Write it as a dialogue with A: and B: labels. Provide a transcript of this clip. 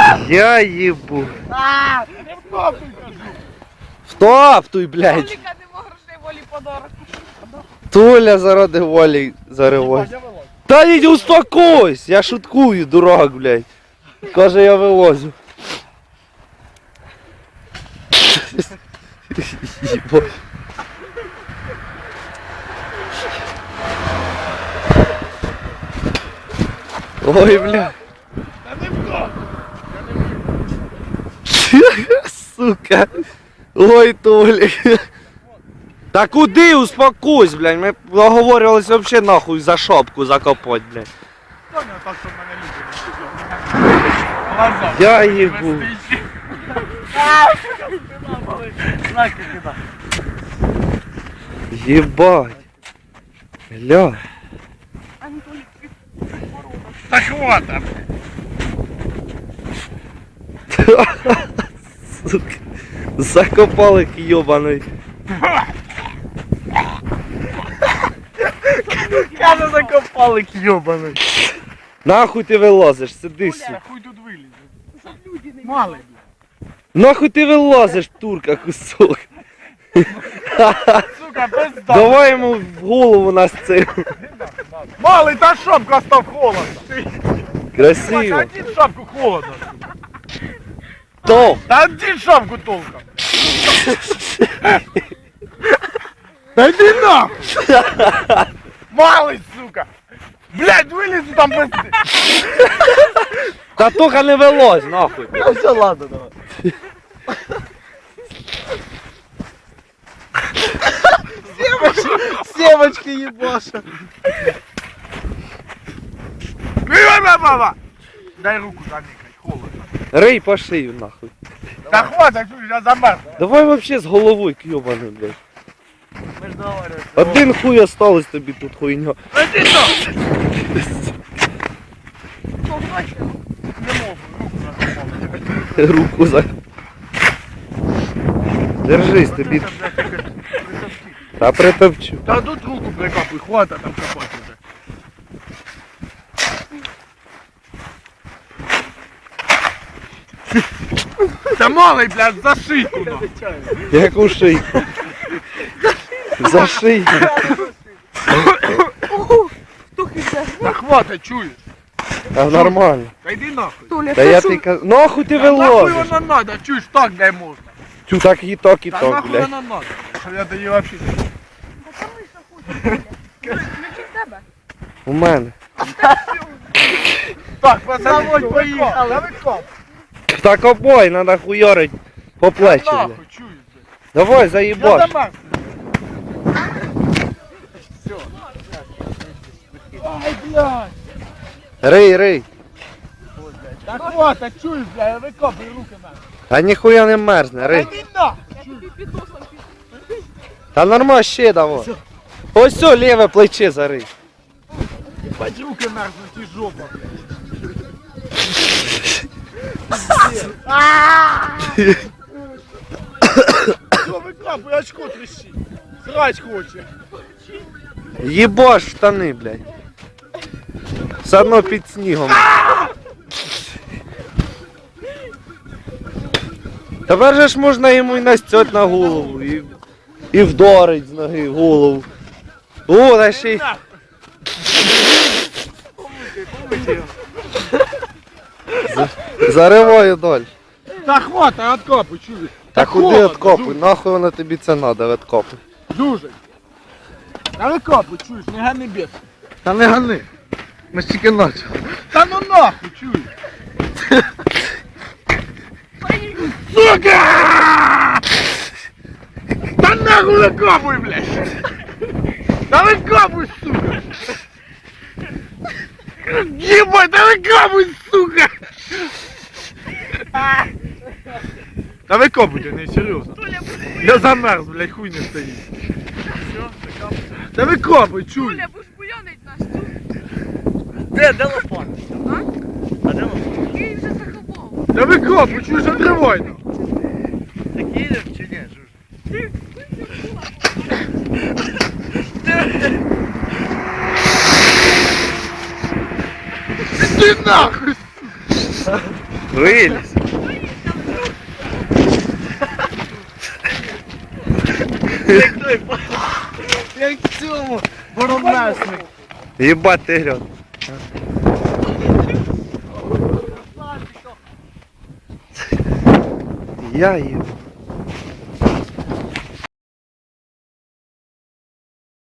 A: Я їбу.
B: Не втоптуй, кажу.
A: Втоптуй, блядь.
C: Толіка нема грошей, волі подарок.
A: Туля заради волі заривось.
B: Я вилазь.
A: Та йди успокойся, я шуткую, дурак, блядь. Каже, я вилозю. Їбо. Ой, бля.
B: Та не втоптуй.
A: Сука. Ой, Толік. Та куди успокойся, блядь. Ми договорювалися взагалі нахуй за шопку закопать, блядь.
B: Хто не так, щоб мене любить? Глаза.
A: Я їбу.
B: Знаки кида.
A: Єбать. Ля.
B: Та хвата.
A: Сука. Закопали йобаний.
B: Каже, закопали йобаний.
A: Нахуй ти вилазиш, сиди, сука.
B: Хуй тут вилізе. Малий.
A: Нахуй ти вилазиш, турка, кусок.
B: Сука, пизда.
A: Давай йому в голову нас цим.
B: Малий, та шапка став холодно.
A: Красиво.
B: Один шапку холодно.
A: То.
B: Та один шапку толком. Та йди нахуй. Малий, сука. Блядь, вилізу там без...
A: Та тока не вилазь, нахуй.
B: Ну все, ладно, давай.
A: Сімочки їбаша.
B: Баба! Дай руку заникай, холодно.
A: Рий по шию, нахуй.
B: Та хватит, я замерз.
A: Давай вообще з головою к'йобаний, блядь.
B: Ми ж договорилися.
A: Один хуй осталось тобі тут хуйня.
B: Іди там!
C: Що, гроші?
B: Не можу, руку закопав.
A: Руку за... Держись, тобі... Та притопчу.
B: Та тут руку прикапуй, хвата там копати вже. Та малий, блядь, за шийку нахуй.
A: Яку шийку? За шийку.
B: Та хвата, чуєш?
A: Та нормально.
B: Та йди нахуй.
C: Толя,
A: Та я ти кажу... Нахуй ти
B: Та нахуй
A: вилазиш?
B: вона надо, чуєш, так дай можна.
A: Тю, так і так, і
B: Та
A: так,
B: нахуй
A: блядь.
B: вона надо. Щоб я тоді вообще...
C: Ключі в тебе?
A: У мене.
B: Так, пацани, поїхали. Та викоп.
A: Так обой, надо хуйорить по плечі, блядь.
B: Нахуй, чуєш?
A: Давай,
B: Я
A: заїбаш.
B: замерз. Все. Ай, блядь.
A: Рий, рий.
B: Та хвата, чуєш, блядь, викопуй руки нахуй.
A: Та ніхуя не мерзне,
B: Та
A: рий.
B: йди нахуй.
C: Тобі підносом
A: Та нормально ще давай. Ось все, ліве плече зарий.
B: Бать руки мерзнуть і жопа, блядь. Що викопуй, очко трещить. Срать хоче.
A: Їбаш в штани, блядь. Все одно під снігом. Тепер же ж можна йому і настять на голову, і вдарить з ноги в голову. О, та ще й... Зариваю далі.
B: Та хвата, откопуй, чуєш.
A: Та куди відкопуй? Нахуй воно тобі це надо, відкопуй.
B: Дуже. Та викопуй, чуєш, не гани бєс.
A: Та не гани. Ми ж тільки начали.
B: Та ну нахуй, чуєш. Сука! Та нахуй викопуй, блядь. Та викопуй, сука. Ебать, да викопуй, сука. Та викопуйте, не серйозно. Я замерз, блядь, хуй не стоїть. Та викопуй, чуй.
C: Толя, будеш буянить нас тут.
B: Де лопата?
C: А?
B: А де лопата?
C: Який вже закопав.
B: Та викопуй, чуй, затривай.
D: Так їдеш чи ні, Жуж?
B: Ти нахуй!
A: Виліз.
D: Як в цьому боромесник.
A: Єбать ти грьот. Я їбу.